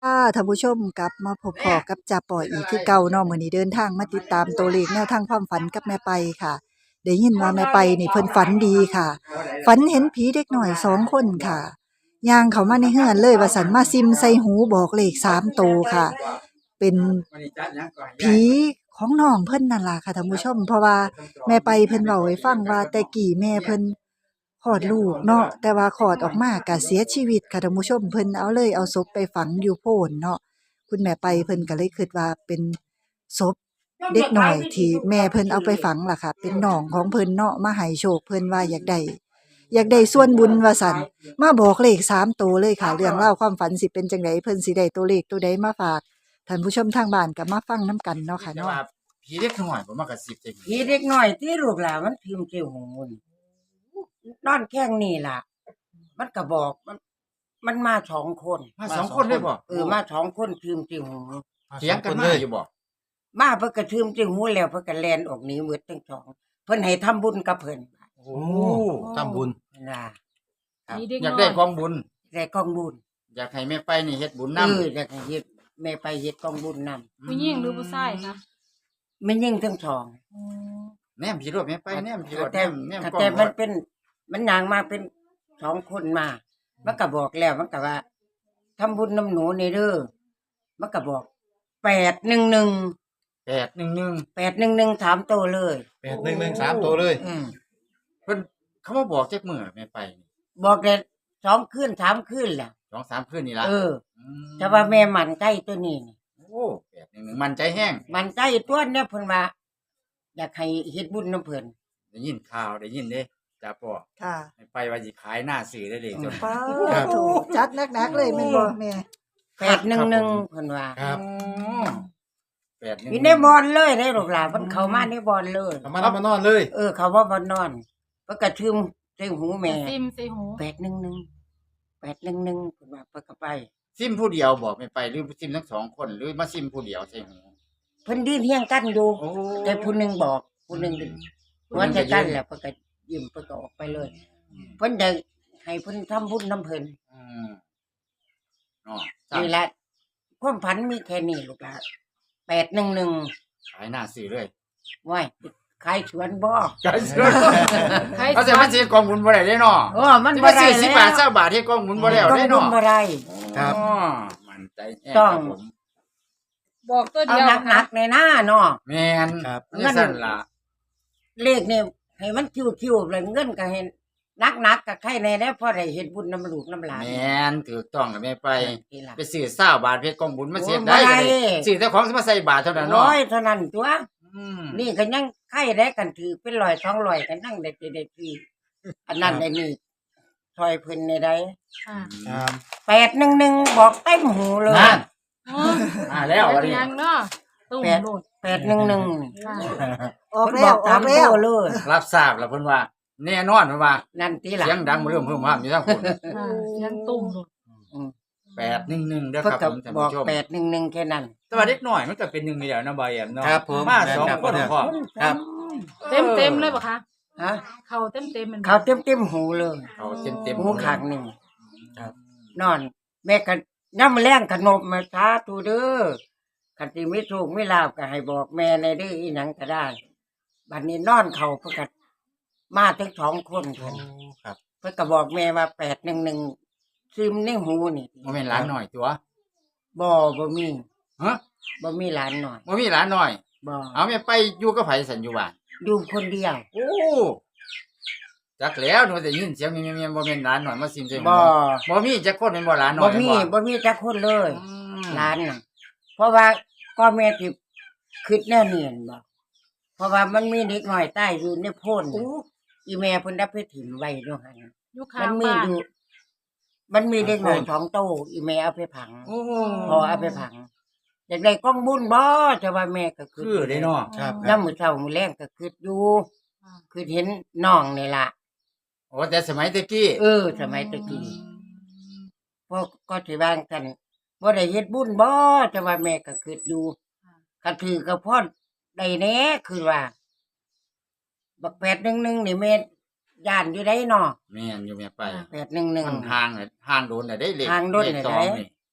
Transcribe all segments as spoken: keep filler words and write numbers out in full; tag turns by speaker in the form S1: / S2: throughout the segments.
S1: ค่ะท่านผู้ชมกลับมาพบพ้อกับจ่าป่ออีกคือเก่าเนาะมื้อนี้เดินทางมาติดตามตัวเลขแนวทางความฝันกับแม่ไปค่ะได้ยินว่าแม่ไปนี่เพิ่นฝันดีค่ะ ฝันเห็นผีเด็กน้อยสองคนค่ะย่างเข้ามาในเฮือนเลยว่าสันมาซิมใส่หูบอกเลขสามโตวค่ะ เป็นผีของน้องเพิ่นนั่นล่ะค่ะท่านผู้ชมเพราะว่าแม่ไปเพิ่นเว้าให้ฟังว่าแต่กี้แม่เพิ่นคลอดลูกเนาะแต่ว่าคลอดออกมาก็เสียชีวิตค่ะท่านผู้ชมเพิ่นเอาเลยเอาศพไปฝังอยู่โพนเนาะคุณแม่ไปเพิ่นก็เลยคิดว่าเป็นศพเด็กน้อยที่แม่เพิ่นเอาไปฝังล่ะค่ะเป็นน้องของเพิ่นเนาะมาให้โชคเพิ่นว่าอยากได้อยากได้ส่วนบุญว่าซั่นมาบอกเลขสามโตวเลยค่ะเรื่องราวความฝันสิเป็นจังไดเพิ่นสิได้ตัวเลขตัวใดมาฝากท่านผู้ชมทางบ้านก็มาฟังนำกันเนาะค่ะ
S2: แต่
S1: เนาะ
S2: ว่าผีเล็กน้อยผมมากระซิบใส่หู
S3: ผีเด็กน้อยที่ลูกหลานมันพิมพ์เกี่ยวหูนี่นอนแข้งนี่ล่ะ มันก็บอกมัน มันมาสองคน
S2: มาสองคนเลยบ่
S3: เออมาสองคนพิมพ์เกี่ยวหู
S2: เถียงกันมาอยู่บ่
S3: มาเพิ่นก็ทืมเกี่ยวหูแล้วเพิ่นก็แล่นออกหนีหมดทั้งสองเพิ่นให้ทำบุญกับเพิ่น
S2: โอ้
S4: ทำบุญ
S3: น่ะ
S2: ครับ
S5: มีเด็ก
S2: อยาก
S5: น้อย
S2: ได้กองบุญ
S3: ได้กองบุญ
S2: อยากให้แม่ไปนี่เฮ็ดบุญ
S3: เอ
S2: นำ
S3: ออยากให้เฮ็ดแม่ไปเฮ็ดกองบุญนำ
S5: ผู้หญิงหรือผู้ชายคะ
S3: แม่นยิ่งทั้งสอง
S2: แนมผีรถแม่ไปแนมผีรถ
S3: แต่
S2: แนม
S3: แต่มันเป็น มันย่างมาเป็นสองคนมา มันก็บอกแล้วมันก็ว่าทำบุญน้ำหนูนี่เด้อมันก็บอกแปดหนึ่งหนึ่ง
S2: แปดหนึ่งหนึ่ง
S3: แปดหนึ่งหนึ่งถามโตเลย
S4: แปดหนึ่งหนึ่งสามตัวเลย
S3: อืม
S2: เพิ่นเขามาบอกจักมื้อแม่ไปนี่
S3: บอกแต่สองคืนสามคืนแหละ
S2: สองสามคืนนี่ล่ะ
S3: เออ
S2: ม
S3: แต่ว่าแม่มันใจตัวนี้นี่
S2: โอ้แปดหนึ่งหนึ่งมันใจแห้ง
S3: มันใจตัวเนี่ยเพิ่นว่าอยากให้เฮ็ดบุญน้ำเพิ่น
S2: ได้ยินข่าวได้ยินเด้จ้าพ่อ
S1: ค่ะ
S2: แม่ไปว่าสิขายหน้าสื่อได้เลยจน
S1: ป้าถูกจัดหนักๆเลยแม่นบ่แม่
S3: แปดหนึ่งหนึ่งเพิ่นว่า
S4: ครับ
S2: แปดหนึ่ง
S3: อยู่ในบอนเลยได้ลูกหลานเพิ่นเข้ามาในบอนเลย
S4: ทำมาแล้วมานอนเลย
S3: เออเขาว่าบ่นอนเพิ่นก็ทึมใส่หูแม่
S5: ซิมใส่หู
S3: แปดหนึ่งหนึ่งแปดหนึ่งหนึ่งเพิ่นว่าเพิ่นก็ไป
S2: ซิมผู้เดียวบอกแม่ไปหรือซิมทั้งสองคนหรือมาซิมผู้เดียวใช่หู
S3: เพิ่นยืนเฮียงกันอยู่
S2: โอ้
S3: แต่ผู้หนึงบอกผู้หนึงว่าจะกันแหละเพิ่นก็ยิ้มเพิ่นก็ออกไปเลย เพิ่นได้ให้เพิ่นทำบุญนํเพิ่น
S2: อืมอ๋อ
S3: นี่แหละความฝันมีแค่นี้ลูกหลานแปดหนึ่งหนึ่ง
S2: ขายหน้าสื่อเลย
S3: ว้ายขายสวนบ่
S2: ขายสื่อ
S5: ใคร
S2: เขาจะมาซื้อกองบุญบ่ได้เด้เนาะ
S3: โอ้มัน
S2: ที่
S3: บ่
S2: มา
S3: ได้
S2: ซื้อ
S3: แล้ว
S2: สิบบาทเก้าบาทที่กองบุญบ่แล้ว
S3: ต้อง
S2: ได้
S3: บุญ
S2: เนาะ
S3: บ่ได้
S4: ครับ
S2: อ๋อมันใจแห้ง
S3: ต้อง
S2: ครับผม
S5: บอกตัว
S3: เอา
S5: เดียว
S3: หนักๆในหน้าเนาะ
S2: แม่น
S4: ครับ
S2: นี่สั่นล่ะ
S3: เลขนี่ให้มันคิวๆเลยเงินก็เห็นนักๆก็ใครแน่แล้วพอได้เฮ็ดบุญน้ำลูกน้ำหลาน
S2: แม่นถูกต้องกับแม่ไป
S3: นี่ล่ะ
S2: ไปซื้อเก้าบาทเพชรกองบุญมาเสีย
S3: โอ้
S2: ได้
S3: บ่ได้
S2: เลยซื้อแต่ของมาใส่บาทเท่านั้นเนาะ
S3: โอ้ยเท่านั้นตัว
S2: อืม
S3: นี่ก็ยังไข่ได้กันถือเป็นร้อยสองร้อยกันนั่งได้สิได้ทีอันนั้นไอ้นี่ซอยเพิ่นในใด
S5: ค่ะ
S4: ครับ
S3: แปดหนึ่งหนึ่งบอกเต็มหูเลย
S2: นั่น
S5: อ๋อ
S2: มาแล้ว
S5: เป็
S2: วัน
S5: น
S2: นี้
S5: ยังเนาะตุ้ม
S3: แปด
S5: โลด
S3: แปดหนึ่งหนึ่ง
S5: ค่ะ
S1: ออก
S3: เพิ่น
S1: แล้
S3: บ
S1: ว
S3: อก
S1: อ
S3: ตา
S1: อ
S3: ม
S1: กแล้ว
S3: ตัวเลย
S2: รับทราบแล้วเพิ่นว่าแน่นอนเพิ่นว่า
S3: นั่นตีหลั
S2: เสียงดังบ่เริ่มเพิ่มว่ามีทั้งคน
S5: ค่ะยังตุ้มโลด
S2: แปดหนึ่งหนึ่งเด้อ
S3: เพิ่น
S2: ครับ
S3: ก็
S2: ผมท่าน
S3: บอก
S2: ผู้ชม
S3: แปดหนึ่งหนึ่งแค่นั้น
S2: แต่ว่าเด็กน้อยมันก็เป็นหนึ่งนี่แหล้วนะบ่าวแอมเนาะ
S4: ครับผม
S2: มาสอง
S4: ครับ
S2: คนพร้อม
S4: ครับ
S5: เต็มเต็มๆเลยปะคะ
S3: ฮะ
S5: เข่าเต็มเต็มๆมัน
S3: เขาเต็มเต็มๆหูเลย
S2: เขาเต็มๆ
S3: หูข้างหนึ่ง
S4: ครับ
S3: นอน แม่ก็ย่ำแรงขนมมาช้าตูเด้อคันที่ไม่ถูกไม่ลาบก็ให้บอกแม่ในเด้ออีหยังก็ได้บัดนี้นอนเขาเพิ่นก็มาถึงสองคน
S4: โอ้
S3: เพิ่น
S4: ครับ
S3: เพิ่นก็บอกแม่ว่าแปดหนึ่งหนึ่งซึมในหูนี่
S2: บ่แม่นหลานน้อยตัว
S3: บ่บ่มี
S2: ฮะ
S3: บ่มีหลานหน่อย
S2: บ่มีหลานน้อย
S3: บ่
S2: เอาแม่ไปอยู่กับไผสันอยู่บ้าน
S3: อยู่คนเดียว
S2: โอ้จักแล้วหนูได้ยินเสียงเมียๆบ่แม่นหลานน้อยมาซิมใส่ห
S3: บ่
S2: บ่มีจักคนเป็นบ่หลานน้
S3: บ่
S2: อย
S3: มี
S2: แม่น
S3: บ่มีจักคนเลย
S2: อืม
S3: หลานน่ะเพราะว่าก็แม่ที่คิดแน่เนียนบ่เพราะว่ามันมีเด็กน้อยใต้อยู่ในโพ่นน่ะอีแม่เพิ่นได้ไปถิ่มไว้ด้วยหั่น
S5: อยู่ข้า
S3: มั
S5: ง
S3: นมี
S5: บ้าน
S3: อยู่ มันมีเด็กน้อยท้องโตอีแม่เอาไปผัง
S2: โอ้
S3: พอเอาไปผังอยากได้กล้องบุญบ่จะว่าแม่ก็
S2: คือเด้เนาะ
S4: ครับ
S3: ยามมื้อเช้ามื้อแลงก็คิดอยู่
S5: ค่ะ
S3: คือเห็นน้องนี่ล่ะ
S2: โอ้แต่สมัยตะกี้
S3: เออ สมัยตะกี้พวกก็สิว่ากันบ่ได้เฮ็ดบุญบ่จะว่าแม่ก็คิดอยู่ก็ถือกับพ่อได้แน่คือว่า บักแปดหนึ่งหนึ่งนี่แม่ย่านอยู่ได้เนาะ
S2: แม่นอยู่แม่ไป
S3: แปดหนึ่งหนึ่ง
S2: มันห่างน่ะห่างโดนน่ะได้เลข
S3: ห่างโดนน่ะ
S2: เลขสอง
S3: ได้
S2: นี่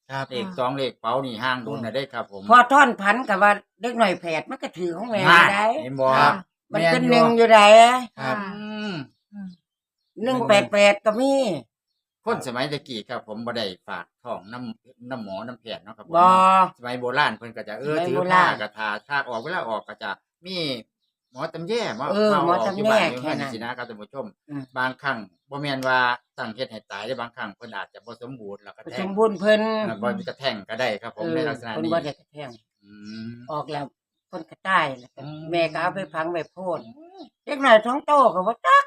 S4: ครับ
S2: เลขสองเลขเป๋านี่ห่างโดนน่ะได้ครับผม
S3: พอท่อนพันกับว่าเด็กหน่อยแผดมันก็ถือของแม่
S2: นั่น
S3: ได้
S2: เห็นบ่
S5: ค่ะ
S3: มัน
S2: แม่
S3: เป็น
S2: อยู่
S3: หนึ่งอยู่ไหน
S4: ครับ
S2: อืม
S5: อืม
S3: หนึ่งแปดแปดก็มี
S2: คนสมัยตะกี้ครับผมบ่ได้ฝากท้องน้ำน้ำหมอน้ำแพทย์เนาะครับผม
S3: บ่
S2: สมัยโบราณเพิ่นก็จะเออ
S3: สมัย
S2: ถือ
S3: โบ
S2: ผ้า
S3: ราณ
S2: กระทาถ้าออกเวลาออกก็จะมีหมอตำแย่มา
S3: เออ
S2: มา
S3: หมอ
S2: ออก
S3: ตำ
S2: ยู่
S3: แย
S2: บ้านอยู่
S3: แค่
S2: เฮือน
S3: นั้น
S2: สินะครับท่านผู้ชม
S3: อืม
S2: บางครั้งบ่แม่นว่าตั้งเฮ็ดให้ตายได้บางครั้งเพิ่นอาจจะบ่สมบูรณ์แล้วก็
S3: ส
S2: แท้ง
S3: มบูรณ์เพิ่น
S2: อ่าบ่มีกระแท่งก็ได้ครับผม
S3: เออ
S2: ในลักษณะ
S3: เพิ่น
S2: นี้
S3: บ่ได้กระแทง
S2: อืม
S3: ออกแล้วเพิ่นก็ตายแล้วก็
S2: อืม
S3: แม่ก็เอาไปพังไปโพดเด็กหน่อยท้องโตก็บ่จัก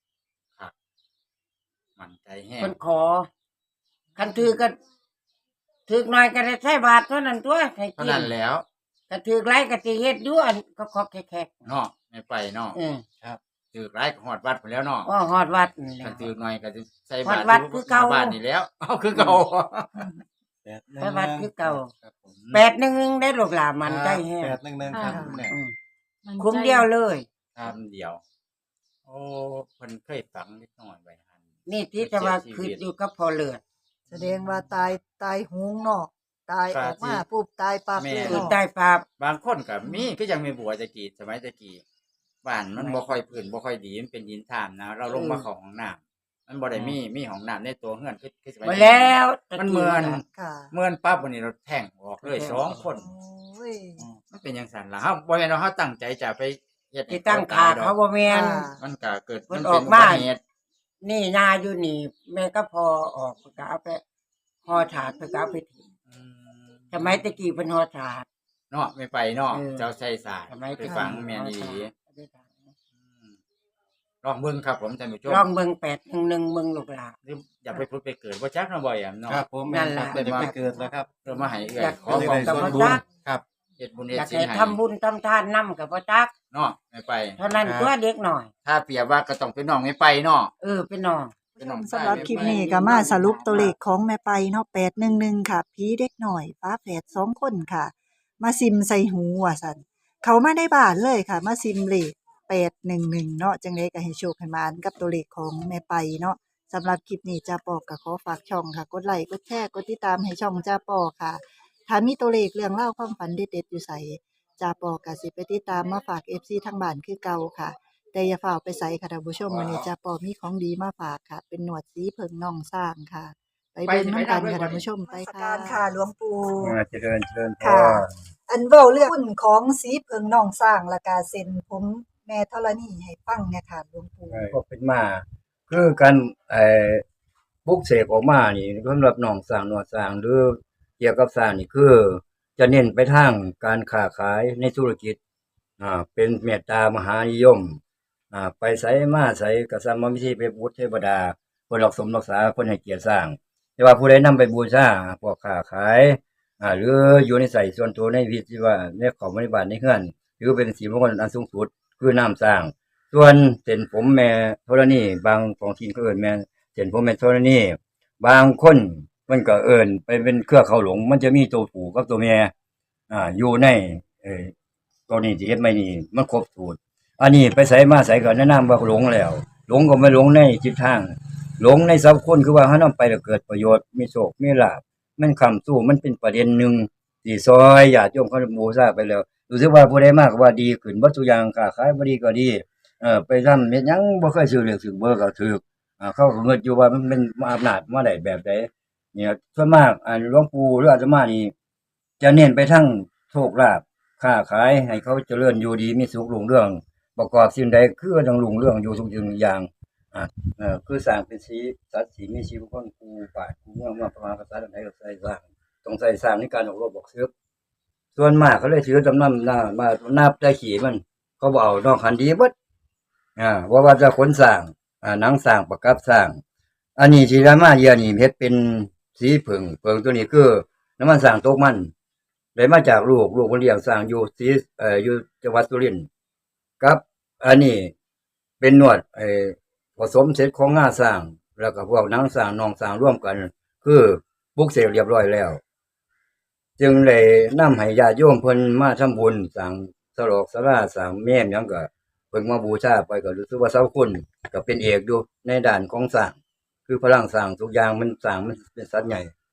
S2: มั่นใจแฮง
S3: เพิ่นขอคันถือก็ถือหน่อยก็ได้ใช้บาทเท่านั้นตัวให้
S2: เท่า
S3: กิน
S2: นั้นแล้ว
S3: ก็ถือหลายก็สิเฮ็ดอยู่อันก็ขอแขก
S2: เนาะไม่ไปเนาะ
S3: ๆเออ
S2: ถือหลายก็ฮอดวัดพุ่นแล้วเนาะ
S3: ว่าฮอดวัดนี่แห
S2: คั
S3: ละ
S2: นถือหน่อยก็สิใส่
S3: ฮอบ
S2: า
S3: ด
S2: ตร
S3: วัดคือเก่า
S2: หน้บ้านนี่แล้ว เอาคือเก่า
S3: ไปวัดคือเก่า
S2: ครับผม
S3: แปดหนึ่งได้ลูกหลานมันได้แฮง
S4: แปดหนึ่งหนึ่งครับ
S5: อ่า
S4: คุณแม่
S3: อืม
S5: มัน
S3: คุ้มเดียวเลย
S2: คำเดียว โอ้เพิ่นเคยฝังนิดหน่อยไว้หั่น
S3: นี่ที่จะว่าคืออยู่กับพอเลือด
S1: แสดงว่าตายตายหุงเนาะตายออกมาปุ๊บตายปั๊บเลย
S3: คือ
S1: เนาะ
S3: ใต้ฟ้า
S2: บางคนก็มีก็ยังมีบัวตะกี้สมัยตะกี้บ้านมันบ่ค่อยพื้นบ่ค่อยดีมันเป็นดินทามนะ เราลงมาเข้าห้องน้ำมันบ่ได้มีมีห้องน้ำในตัวเฮือนคือคือสมัย
S3: มา
S2: นี้
S3: แล้วตะ
S2: มัน
S3: กี้
S2: เหมือน
S1: ค่ะ
S2: เมื่อนปั๊บวันนี้เราแท่งออกเลยสองคน
S1: โอ้ย
S2: มันเป็นจังซั่นล่ะเฮาบ่แม่นว่าเฮาตั้งใจจะไปเฮ็ดให้
S3: ที่ตั้งขาเขาบ่แม่น
S1: ค่ะ
S2: มันก็เกิด
S3: มัน
S2: เป็
S3: ออกมา
S2: บัติเหตุ
S3: นี่นาอยู่นี่ แม่ก็พอออกก็เอาไปห่อถาดไปก็เอาไปทิ้ง
S2: อืม
S3: สมัยตะกี้เพิ่นห่อถาด
S2: เนาะไม่ไปเนาะ
S3: เออ
S2: เจ้าใส่สาย
S3: สมัย
S2: ไป
S3: ตะกี้
S2: ฟังแม่นอีหลี
S3: เอาไปถาด
S2: อืมลองเบิ่งครับผมท่านผู้ชม
S3: ลองเบิ่งแปดหนึ่งหนึ่งเบิ่งลูกหลาน
S2: หรืออย่าไปพูดไปเกิดบ่จักเนาะบ่แอมเนาะ
S4: ครับผม
S3: นั่นล่ะ
S4: จะไปเกิดแล้วครับ
S2: เพื่อมาให้เอื้อ
S3: อย ยาก
S2: ขอ
S3: ให้
S2: ความ
S3: กับ
S2: ส่วน
S3: พระ
S2: บุญ
S3: จัก
S4: ครับ
S2: เฮ็ดบุญ
S3: อ
S2: เฮ็ด
S3: ยาก
S2: ศีล
S3: ให้
S2: ให้
S3: ทำบุญทำทานนํกับบ่จัก
S2: เนาะไม่ไป
S3: เท่านั้นตัวเด็กหน่อย
S2: ถ้าเปรียบว่าก็ต้องเป็นน้องไม่ไปเนาะ
S3: เออเป็นน้อง
S2: เป็นน้อง
S1: สำหรับคลิปนี้ก็มาสรุปตัวเลขของแม่ไปเนาะแปดหนึ่งหนึ่งค่ะผีเด็กหน่อยฟ้าแฝดสองคนค่ะ มาซิมใส่หูว่าสันเขามาได้บ้านเลยค่ะ มาซิมเลขแปดหนึ่งหนึ่งเนาะจังเลยก็ให้โชคให้มานกับตัวเลขของแม่ไปเนาะสำหรับคลิปนี้จ้าปอก็ขอฝากช่องค่ะ กดไลค์กดแชร์กดติดตามให้ช่องจ้าปอค่ะถ้ามีตัวเลขเรื่องเล่าวความฝันเด็ดๆอยู่ใส่จ้าปอก็สิไปติดตามมาฝาก เอฟ ซี ทางบ้านคือเก่าค่ะ แต่อย่าฝ่าไปใส่ค่ะท่านผู้ชมวันนี้จ้าปอมีของดีมาฝากค่ะ เป็นหนวดสีเพิงน่องสร้างค่ะ ไปเบิ่งน้ำกันค่ะท่านผู้ชมไปค่ะค่ะหลวงปู่
S6: อ่าเจริญเจริญพ
S1: ค่ะ
S6: ร
S1: อันเว้าเรื่องหุ้นของสีเพิงน่องสร้างและกาเซ็นผมแม่ธรณีให้ฟังเนี่ยค่ะหลวงปู่
S6: ก็เป็นมา คือการไอ้ปลุกเสกออกมานี่สำหรับน้องสร้างหนวดสร้างหรือเกี่ยวกับสร้างนี่คือ จะเน้นไปทางการค้าขายในธุรกิจอ่าเป็นเมตตามหานิยมอ่าไปไสมาไสก็สามวิธีไปบูชเทวดาเพิ่นรักสมรักษาเพิ่นให้เกียรติสร้าง แต่ว่าผู้ใดนำไปบูชาพวกค้าขายอ่าหรืออยู่ในใส่ส่วนตัวในวิธีว่าในของบริบาลในเฮือนหรือเป็นสีมงคลอันสูงสุดคือน้ำสร้าง ส่วนเส้นผมแม่ธรณีบางของทีนก็เอิ้นแม่เส้นผมแม่ธรณีบางคนมันก็เอิ้นไปเป็นเครือเขาหลง มันจะมีตัวผู้กับตัวแม่อ่าอยู่ในเอ่อตัวนี้ที่เฮ็ดไม่นี่มันครบสูตรอันนี้ไปใส่มาใส่ก็แนะนำว่าหลงแล้ว หลงก็ไม่หลงในจิตทาง หลงในสัพคนคือว่าเฮานำไปแล้วเกิดประโยชน์มีโชคมีลาภมันค้ำสู้มันเป็นประเด็นหนึ่งที่ซอยญาติโยมเขาบูชาไปแล้วรู้สึกว่าผู้ใดมาก็ว่าดีขึ้นเบิดทุกอย่างค้าขายบ่ดีก็ดีเออไปทำเฮ็ดหยังบ่เคยซื้อเลขซื้อเบอร์ก็ถูกอ่าเขาก็เงิดอยู่ว่ามันเป็นอำนาจมาได้แบบใดเนี่ยส่วนมากอ่าหลวงปู่หรืออาตมานี่จะเน้นไปทางโชคลาภค้าขายให้เขาเจริญอยู่ดีมีสุขรุ่งเรืองประกอบสิ่งใดคือต้องรุ่งเรืองอยู่ทุกสิ่งทุกอย่างอ่า เออคือสร้างเป็นสีสัตว์สีมีชีวิตคนกูป่าดกูเมืองมาประมาณภาษาใดก็ใส่สร้างต้องใส่สร้างในการออกรบบอกซื้อส่วนมากเขาเลยถือจำนำหน้ามานับได้ขี่มัน เขาบอกเอานอกคันดีเบิดอ่าว่าว่าจะขนสร้างอ่าหนังสร้างประกับสร้าง อันนี้ที่รามาเยียนี่เพชรเป็นสีผึ่งผึ่งตัวนี้คือน้ำมันสร้างตกมันได้มาจากลูกลูกคนเลี้ยงสร้างอยู่สีเอ่ออยู่จังหวัดสุรินทร์ครับ อันนี้เป็นนวดไอ้ ผสมเสร็จของงาสร้างแล้วก็พวกหนังสร้างนองสร้างร่วมกัน คือปลุกเสกเรียบร้อยแล้ว จึงได้นำให้ญาติโยมเพิ่นมาทำบุญสร้างสลอกสลาสร้างแม่นหยังก็เพิ่นมาบูชาไปก็รู้สึกว่าเสาคุณก็เป็นเอกอยู่ในด้านของสร้างคือพลังสร้างทุกอย่างมันสร้างมันเป็นสัตว์ใหญ่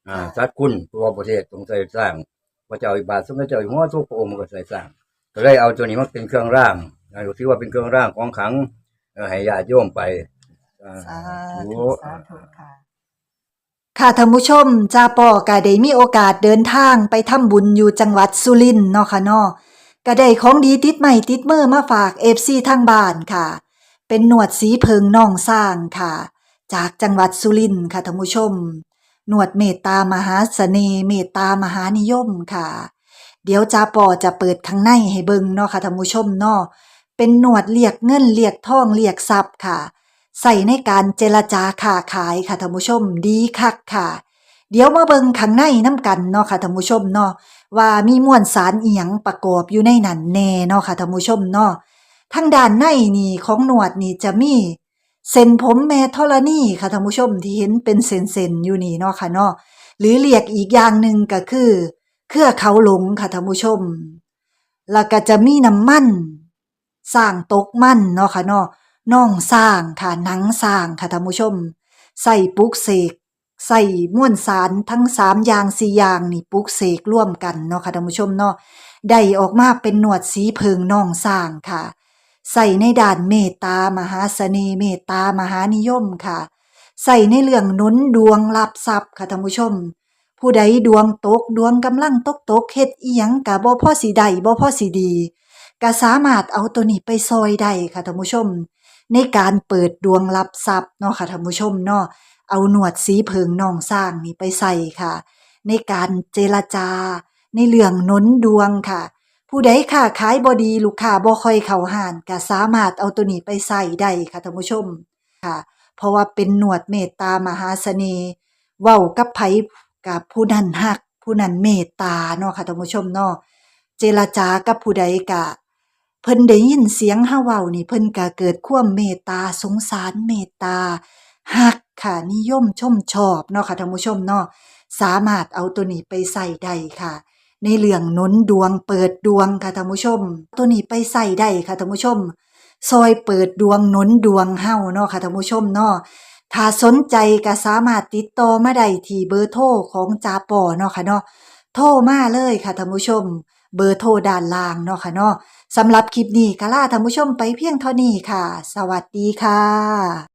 S6: อ่าสัตว์คุณตัวประเทศต้องใส่สร้างพระเจ้าอิบาทสมเด็จเจ้าอยู่หัวทุกพระองค์มันก็ใส่สร้างก็เลยเอาตัวนี้มาเป็นเครื่องร่างนะถือว่าเป็นเครื่องร่างของขลังเอ่อให้ญาติโยมไปอ่า
S1: สา
S6: โอ้
S1: ธุสาธุค่ะ ค่ะท่านผู้ชมจ้าป่อก็ได้มีโอกาสเดินทางไปทำบุญอยู่จังหวัดสุรินทร์เนาะค่ะเนาะก็ได้ของดีติดใหม่ติดมือมาฝาก เอฟ ซี ทางบ้านค่ะ เป็นหนวดสีเพิงน่องสร้างค่ะ จากจังหวัดสุรินทร์ค่ะท่านผู้ชมหนวดเมตตามหาเสน่ห์เมตตามหานิยมค่ะ เดี๋ยวจ้าป่อจะเปิดข้างในให้เบิ่งเนาะค่ะท่านผู้ชมเนาะเป็นหนวดเรียกเงินเรียกทองเรียกทรัพย์ค่ะ ใส่ในการเจรจาค้าขายค่ะท่านผู้ชมดีคักค่ะ เดี๋ยวมาเบิ่งข้างในน้ำกันเนาะค่ะท่านผู้ชมเนาะว่ามีมวลสารอีหยังประกอบอยู่ในนั้นแน่เนาะค่ะท่านผู้ชมเนาะทางด้านในนี่ของหนวดนี่จะมีเส้นผมแม่ธรณีค่ะท่านผู้ชมที่เห็นเป็นเส้นๆอยู่นี่เนาะค่ะเนาะหรือเรียกอีกอย่างหนึ่งก็คือเครือเขาหลงค่ะท่านผู้ชมแล้วก็จะมีน้ำมันสร้างตกมันเนาะค่ะเนาะน่องสร้างค่ะหนังสร้างค่ะท่านผู้ชมใส่ปลุกเสก ใส่ม่วนสารทั้งสามอย่างสี่อย่างนี่ปลุกเสกร่วมกันเนาะค่ะท่านผู้ชมเนาะได้ออกมาเป็นหนวดสีเพิงน่องสร้างค่ะ ใส่ในด้านเมตตามหาเสน่ห์เมตตามหานิยมค่ะ ใส่ในเรื่องหนุนดวงรับทรัพย์ค่ะท่านผู้ชม ผู้ใดดวงตกดวงกำลังตกตกเฮ็ดอีหยังก็บ่พอสิได้บ่พอสิดีก็สามารถเอาตัวนี้ไปซอยได้ค่ะท่านผู้ชม ในการเปิดดวงรับทรัพย์เนาะค่ะท่านผู้ชมเนาะ เอาหนวดสีเพิงน่องสร้างนี่ไปใส่ค่ะ ในการเจรจา ในเรื่องหนุนดวงค่ะ ผู้ใดค้าขายบ่ดีลูกค้าบ่ค่อยเข้าห้านก็สามารถเอาตัวนี้ไปใส่ได้ค่ะท่านผู้ชมค่ะ เพราะว่าเป็นหนวดเมตตามหาเสน่ห์เว้ากับไผกับผู้นั้นฮัก ผู้นั้นเมตตาเนาะค่ะท่านผู้ชมเนาะเจรจากับผู้ใดก็เพิ่นได้ยินเสียงเฮาเว้านี่เพิ่นก็เกิดความเมตตาสงสารเมตตาฮักค่ะนิยมชมชอบเนาะค่ะท่านผู้ชมเนาะสามารถเอาตัวนี้ไปใส่ได้ค่ะ ในเรื่องหนุนดวงเปิดดวงค่ะท่านผู้ชม ตัวนี้ไปใส่ได้ค่ะท่านผู้ชมซอยเปิดดวงหนุนดวงเฮาเนาะค่ะท่านผู้ชมเนาะถ้าสนใจก็สามารถติดต่อมาได้ที่เบอร์โทรของจาปอเนาะค่ะเนาะโทรมาเลยค่ะท่านผู้ชม เบอร์โทรด้านล่างเนาะค่ะเนาะสำหรับคลิปนี้ก็ลาท่านผู้ชมไปเพียงเท่านี้ค่ะ สวัสดีค่ะ